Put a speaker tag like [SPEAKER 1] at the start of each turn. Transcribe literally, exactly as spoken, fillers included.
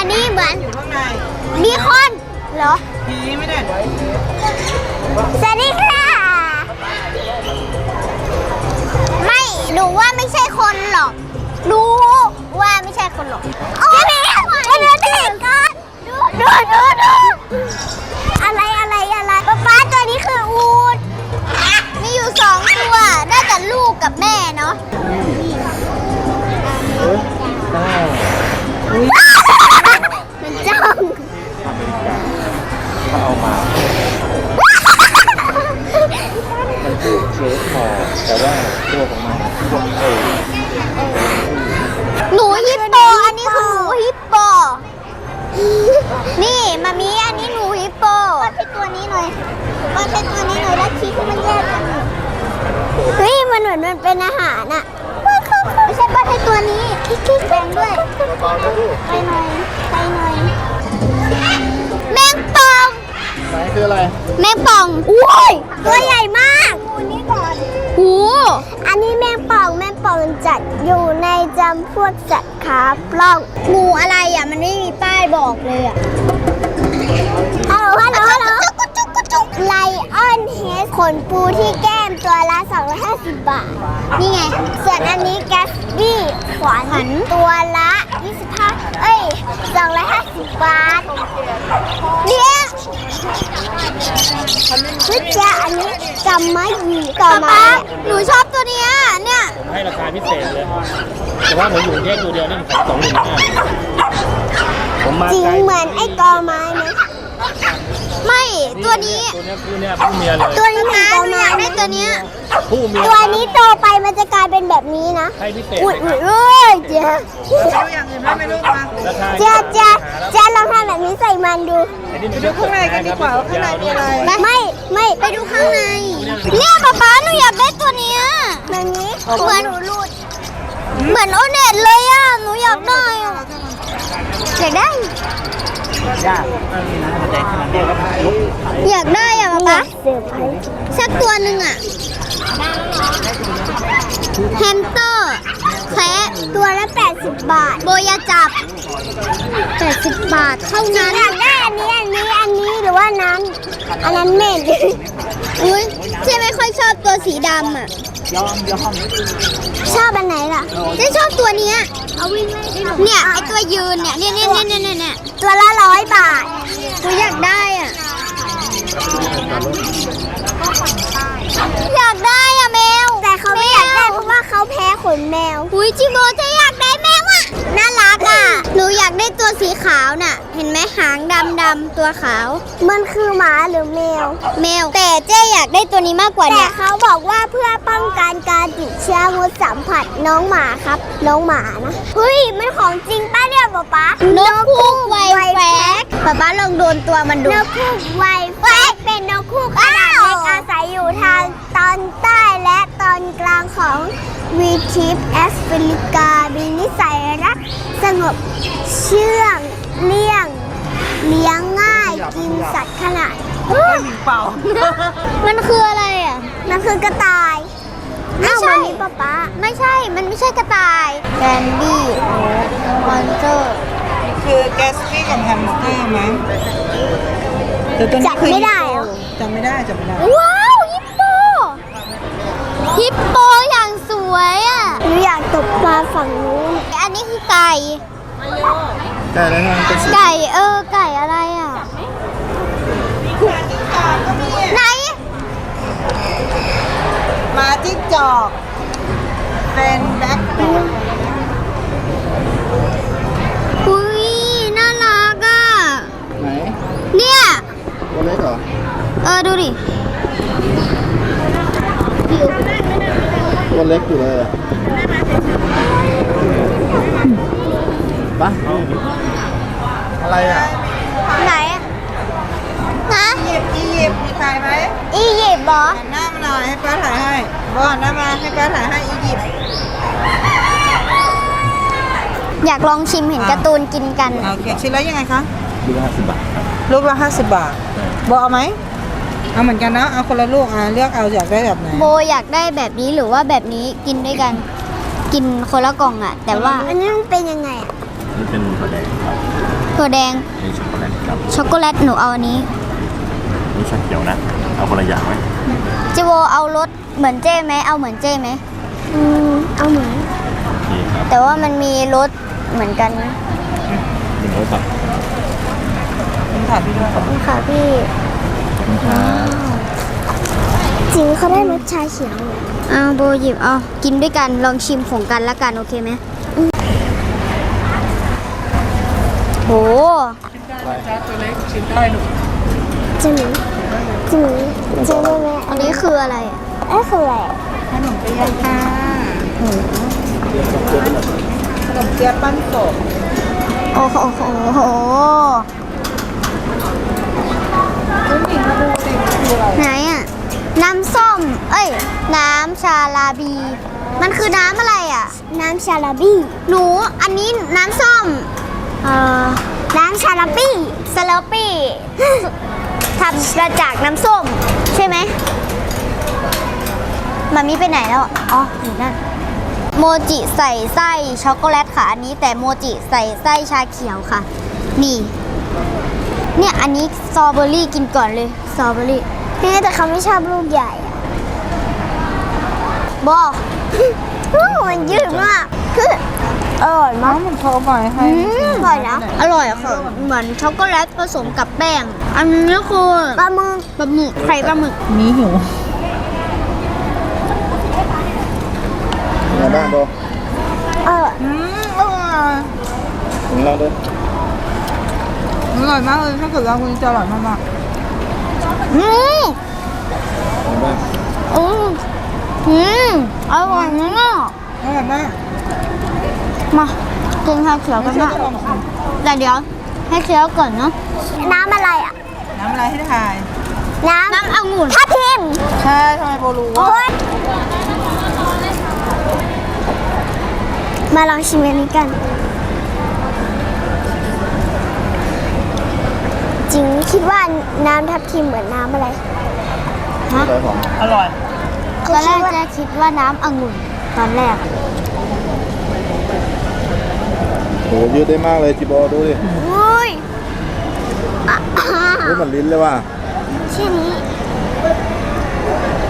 [SPEAKER 1] อันนี้เหมือน
[SPEAKER 2] อยู่ข้างใน
[SPEAKER 1] มีคนเหรอ
[SPEAKER 2] ผีไม่ได้
[SPEAKER 1] สวัสดีค่ะไม่รู้ว่าไม่ใช่คนหรอกรู้ว่าไม่ใช่คนหรอกโอ้ยดูดิก่อนดูดูดูดูอะไรอะไรอะไรป๊าป๊าตัวนี้คืออูฐมีอยู่สองตัวน่าจะลูกกับแม่เนาะมันจ้อง
[SPEAKER 3] เขาเอามามันคือเชฟพอแต่ว่าตัวของมันพวกเอ
[SPEAKER 1] หนูฮิปโปอันนี้คือหนูฮิปโปนี่มามีอันนี้หนูฮิปโปวาดให้ตัวนี้หน่อยวาดให้ตัวนี้หน่อยแล้วชี้ให้มันแยกกันเฮ้ยมันเหมือนมันเป็นอาหารอะไม่ใช่วาดให้ตัวนี้คิกๆแบ่งด้วยไปหน่อยไปหน่อยแมงป่อง
[SPEAKER 3] ไหนคืออะไร
[SPEAKER 1] แมงป่องอุ้ยตัวใหญ่มากนี่ก่อนโอ้อันนี้แมงป่องแมงป่องจัดอยู่ในจำพวกสัตว์ขาปล้องงูอะไรอ่ะมันไม่มีป้ายบอกเลยอ่ะฮัลโหลฮัลโหลฮัลโหลไลออนเฮดขนปูที่แก้มตัวละสองร้อยห้าสิบบาทนี่ไงส่วนอันนี้แกสบี้ขวานตัวละยี่สิบห้าเอ้ยสองร้อยห้าสิบบาทเนี่ยวิจาอันนี้จำไม่ดีต่อมาหนูชอบตัวเนี้ยเนี่ย
[SPEAKER 3] ผมให้ราคาพิเศษเลย แต่ว่าผมอยู่แค่ตัวเดียวนี่ผมสองหนึ่งห้าผมมา
[SPEAKER 1] จริงเหมือนไอ้กอไม้ไหมไม่ตัวนี้
[SPEAKER 3] ตัวนี้คือเนี่ยผู้เมียเลย
[SPEAKER 1] ตัวนี้เหมือนกอไม้ได้ตัวเนี้ย
[SPEAKER 3] ผู้เมีย
[SPEAKER 1] ตัวนี้โตไปมันจะกลายเป็นแบบนี้นะ
[SPEAKER 3] ให้พิเศษ
[SPEAKER 1] อุ้ย
[SPEAKER 3] เลย
[SPEAKER 1] อุ้ย
[SPEAKER 3] ครับ
[SPEAKER 1] เอ้ยเจ๊
[SPEAKER 2] ดูอย่างอื่นได้ไหมลูกมา
[SPEAKER 3] ราคา
[SPEAKER 1] เจ๊เจ๊เจ๊ลองทำแบบนี้ใส่มันดู
[SPEAKER 3] อันนี้
[SPEAKER 2] ไปดูข้างในกันดีกว่าว่าข้างในมีอะไร
[SPEAKER 1] ไม่ไม่ไปดูข้างในเนี่ยป๊าป๊าหนูอยากได้ตัวเนี้ยแบบนี้เหมือนหนูรูดเหมือนโอเน็ตเลยอ่ะหนูอยากได้อะอยากได้
[SPEAKER 3] ยากมันมีน้ำมันแดงขนาดนี้ก็ลุกขาย
[SPEAKER 1] อยากได้อ่ะป๊าป๊าสักตัวหนึ่งอ่ะแฮมสเตอร์แคะตัวละแปดสิบบาทโบยาจับแปดสิบบาทเท่านั้นอยากได้อันนี้อันนี้อันนี้หรือว่านั้นอันนั้นเม็ดอุ้ยเจ๊ไม่ค่อยชอบตัวสีดำอ่ะ
[SPEAKER 3] ยอมยอม
[SPEAKER 1] ชอบอันไหนล่ะเจ๊ชอบตัวเนี้ยเอาวิ่งเนี่ยไอตัวยืนเนี่ยเนี่ยเนี่ยเนี่ยเนี่ยเนี่ยตัวละร้อยบาทหนูอยากได้อ่ะอยากได้อะแมวแต่เขาไม่อยากได้เพราะว่าเขาแพ้ขนแมวอุ้ยจิโบจะอยากได้แมวอ่ะน่ารักอ่ะหนูอยากได้ตัวสีขาวน่ะเห็นไหมหางดำดำตัวขาวมันคือหมาหรือแมวแมวแต่เจ๊อยากได้ตัวนี้มากกว่าเนี่ยแต่เขาบอกว่าเพื่อป้องกันการติดเชื้อมดสัมผัสน้องหมาครับน้องหมานะเฮ้ยมันของจริงป้าเนี่ยป๊าป๊านกคู่ไวแฟกป๊าป๊าลองโดนตัวมันดูนกคู่ไวแฟกเป็นนกคู่ขนาดเล็กอาศัยอยู่ทางตอนใต้และตอนกลางของวีทิปแอฟริกามีนิสัยรักสงบเชื่องเลี่ยงเลี้ยงง่ายกินสัตว์ขนาด
[SPEAKER 2] เปล่า
[SPEAKER 1] มันคืออะไรอ่ะมันคือกระต่ายไม่ใช่ป๊าป๊าไม่ใช่มันไม่ใช่กระต่ายแกนดี้มอนเตอร์
[SPEAKER 2] คือแกสปี้กับแฮมสเตอร์ไหมแต่ตัวนี้คือ
[SPEAKER 1] จำไม่ได้เหรอ
[SPEAKER 2] จำไม่ได้จำไม่ได้
[SPEAKER 1] ว้าวฮิปโปฮิปโปอย่างสวยอ่ะหนูอยากตกปลาฝั่งนู้นอันนี้คือไก่
[SPEAKER 3] ไก่แล้วมันเป็นสี
[SPEAKER 1] ไก่เออไก่อะไรอ่ะไหน
[SPEAKER 2] หมาจิ้งจอกเป็นแบ็ค
[SPEAKER 1] อุ้ยน่ารักอ่ะ
[SPEAKER 3] ไหน
[SPEAKER 1] เนี่ย
[SPEAKER 3] ตัวเล็กเหรอ
[SPEAKER 1] เออดูดิ
[SPEAKER 3] ตัวเล็กอยู่เลยปะอะไรอ่ะ
[SPEAKER 1] ไหนฮะ
[SPEAKER 2] อียิปต์อียิปต์มีถ่ายไหม
[SPEAKER 1] อียิปต์เหรอ
[SPEAKER 2] หันหน้ามาหน่อยให้ป้าถ่ายให้บอหันหน้ามาให้ป้าถ่ายให้อียิปต์
[SPEAKER 1] อยากลองชิมเห็นการ์ตูนกินกัน
[SPEAKER 2] โอเคชิ้นละยังไงคะ
[SPEAKER 3] ดูห้าสิบบาทครับ
[SPEAKER 2] ลูกละห้าสิบบาทบอเอาไหมเอาเหมือนกันนะเอาคนละลูกอ่ะเลือกเอาอยากได้แบบไหน
[SPEAKER 1] โบอยากได้แบบนี้หรือว่าแบบนี้กินด้วยกัน กินคนละกล่องอ่ะ แต่ว่าอันนี้มันเป็นยังไงอ่ะ
[SPEAKER 3] นี่เป็นถั่วแดงครับ
[SPEAKER 1] ถั่วแดง
[SPEAKER 3] นี่ช็อกโกแลตครับ
[SPEAKER 1] ช็อกโกแลตหนูเอาอันนี้
[SPEAKER 3] นี่ชาเขียวนะเอาคนละอย่างไหม
[SPEAKER 1] จิโวเอารสเหมือนเจ้ไหมเอาเหมือนเจ้ไหมอืมเอาเหมือน
[SPEAKER 3] โอเคครับ
[SPEAKER 1] แต่ว่ามันมีรสเหมือนกันนะ
[SPEAKER 3] หนึ่งร้อยบาท
[SPEAKER 2] คุณถามพี่ด้วย
[SPEAKER 1] ขอบคุณค่ะพี่
[SPEAKER 3] ขอบคุณครับ
[SPEAKER 1] จริงเขาได้รสชาเขียวเอาโบหยิบเอากินด้วยกันลองชิมของกันละกันโอเคไหมโห
[SPEAKER 2] จ้าตัวเล็กชิมได้หนู
[SPEAKER 1] จริงจริงจริงได้ไหมอันนี้คืออะไรอ่ะอันนี้คืออะไร
[SPEAKER 2] ขนมเปี๊ยะค่ะขนมเปี๊ยะปั้นสด
[SPEAKER 1] โอ้โหโอ้โหโอ้โห
[SPEAKER 2] คุณหญิงมาดูสิคืออะไร
[SPEAKER 1] ไหนอ่ะน้ำส้มเอ้ยน้ำชาลาบี มันคือน้ำอะไรอ่ะ น้ำชาลาบีหนูอันนี้น้ำส้มเอ่อน้ำชาลาบีสลอปี้ ทำมาจากน้ำส้มใช่ไหมมามีไปไหนแล้วอะอ๋ออยู่นั่นโมจิใส่ไส้ช็อกโกแลตค่ะอันนี้แต่โมจิใส่ไส้ชาเขียวค่ะ นี่ เนี่ยอันนี้สตรอเบอรี่กินก่อนเลยสตรอเบอรี่พี่แต่เขาไม่ชอบลูกใหญ่อะบอก มันยืดมากคืออร่อยมาก
[SPEAKER 2] น้ำมันโทรบ่อยให้
[SPEAKER 1] อืมอร่อยนะอร่อยอะค่ะเหมือนช็อกโกแลตผสมกับแป้ง อันนี้คือปลาหมึกปลาหมึกไข่ปลาหมึก
[SPEAKER 2] มีหิว
[SPEAKER 3] เป็นไงบ้างโบ
[SPEAKER 1] เออ
[SPEAKER 2] อืมอร่อย
[SPEAKER 3] ถึงเราด้วย
[SPEAKER 2] อร่อยมากเลยถ้าเกิดเราคุณจะอร่อยมาก
[SPEAKER 1] อืม
[SPEAKER 3] เป็นไงบ้าง
[SPEAKER 1] อืมอืมอร่อยมาก
[SPEAKER 2] ๆอร่อยมาก
[SPEAKER 1] มากินชาเขียว
[SPEAKER 2] ไม่
[SPEAKER 1] กัน
[SPEAKER 2] เชื่อ
[SPEAKER 1] นะ
[SPEAKER 2] ก็ลองชิม
[SPEAKER 1] แต่เดี๋ยวให้เคี้ยวก่อนเนาะน้ำอะไรอ่ะ
[SPEAKER 2] น้ำอะไรให้ทาย
[SPEAKER 1] น้ำน้ำองุ่นทับทิม
[SPEAKER 2] ใช่ทำไมโบรู้
[SPEAKER 1] โอ๊
[SPEAKER 2] ว่าย
[SPEAKER 1] มาลองชิมอันนี้กัน จริงคิดว่าน้ำทับทิมเหมือนน้ำอะไรฮะ
[SPEAKER 3] ร้อยสอง
[SPEAKER 2] อร่อย
[SPEAKER 1] ตอนแรกจะคิดว่าน้ำองุ่นตอนแรก
[SPEAKER 3] โหยืดได้มากเลยจิโบดูดิ
[SPEAKER 1] อุ้ยอ่ะ
[SPEAKER 3] นี่เหมือนลิ้นเลยว่ะ
[SPEAKER 1] แค่นี้